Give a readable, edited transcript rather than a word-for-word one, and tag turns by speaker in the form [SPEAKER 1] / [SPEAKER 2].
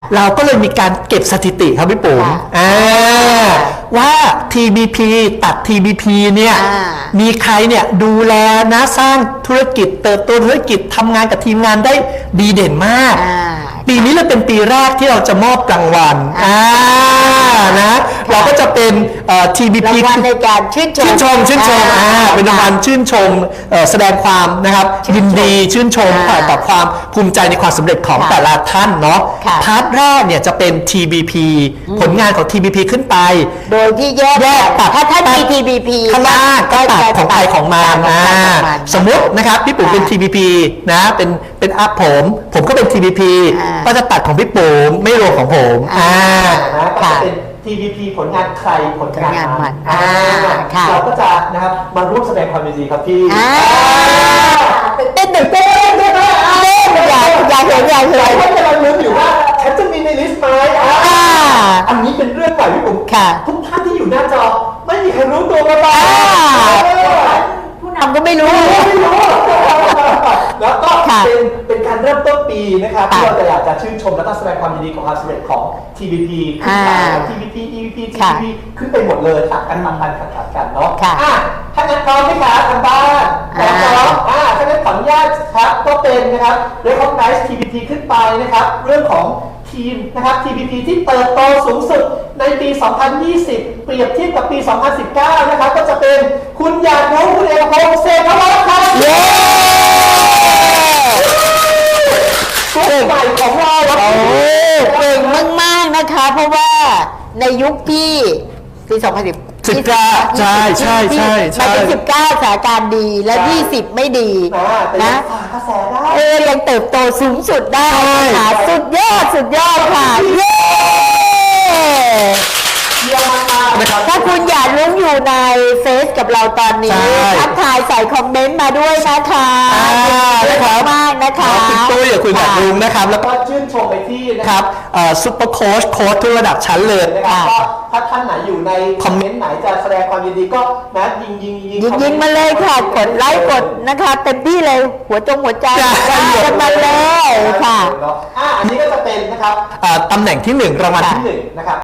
[SPEAKER 1] เราก็เลยมีการเก็บสถิติครับพี่ปุ๋มว่า TBP ตัด TBP เนี่ยมีใครเนี่ยดูแลนะสร้างธุรกิจเติบโตธุรกิจทำงานกับทีมงานได้ดีเด่นมากปีนี้เลยเป็นปีแรกที่เราจะมอบรางวัลนะเราก็จะเป็นTBP
[SPEAKER 2] รางวัลในการชื่นชม
[SPEAKER 1] เป็นรางวัลชื่นชมแสดงความนะครับยินดีชื่นชมต่อความภูมิใจในความสำเร็จของแต่ละท่านเนาะพาร์ทแรกเนี่ยจะเป็น TBP ผลงานของ TBP ขึ้นไป
[SPEAKER 2] โดยที่แยกตัดถ้ามี TBP
[SPEAKER 1] ข้างล่างก็ตัดของใครของมันสมมุตินะครับพี่ปุ๋มเป็น TBP นะเป็นอัพผมก็เป็น TBP ก็จะตัดของพี่ปุ๋มไม่รวมของผมก็จะเป็น TBP ผลงานใครผลงานมันเราก็จะนะครับมาร่วมแสดงความยินดีครับพี่
[SPEAKER 2] เต้นอย่าเห็น
[SPEAKER 1] หลายท่านกำลังลุ้นอยู่ว่าฉันจะมีในลิสต์ไหมอันนี้เป็นเรื่องใหม่พี่ปุ๋มทุกท่านที่อยู่หน้าจอไม่มีใครรู้ตัวมาบ้าง
[SPEAKER 2] ผู้นำก็ไม่รู้
[SPEAKER 1] แล้วก็เป็นการเริ่มต้นปีนะครับที่เราจะอยากจะชื่นชมและก็แสดงความยินดีของความสำเร็จของ TBP ขึ้นไป TBP EVP TBP ขึ้นไปหมดเลยตัดกันกันเนาะถ้างั้นพร้อมไหมครับทางบ้านพร้อมถ้างั้นขออนุญาตครับก็เป็นนะครับ Recognize TBP ขึ้นไปนะครับเรื่องของทีมนะครับ TBP ที่เติบโตสูงสุดในปี 2020 เปรียบเทียบกับปี 2019 นะครับก็จะเป็นคุณหยาดรู้คุณเอกพงษ์เศรษฐวัฒน์ครับตัวใหม่ของเรา
[SPEAKER 2] เก่งมากๆนะคะเพราะว่าในยุคที่ปี 2019
[SPEAKER 1] ใช่
[SPEAKER 2] มาเป็น19สถานการณ์ดีและ20ไม่ดีนะยังเติบโตสูงสุดได้ค่ะสุดยอดค่ะเย้ถ้าคุณอยากรู้อยู่ในเฟซกับเราตอนนี้ทักทายใส่คอมเมนต์มาด้วยนะคะมากนะคะ
[SPEAKER 1] คุณตุ้ยกับคุณอยากรู้นะครับแล้วก็ชื่นชมไปที่นะครับซุปเปอร์โค้ชทุกระดับชั้นเลยนะครับก็ถ้าท่านไหนอยู่ในคอมเมนต์ไหนจะแสดงความยินดีก็นะ
[SPEAKER 2] ยิงมาเลยค่ะกดไลค์กดนะคะเต็มที่เลยหัวใจกันมาเลยค่ะ
[SPEAKER 1] อันนี้ก็จะเป็นนะครับตำแหน่งที่1รางวัลที่1นะครับ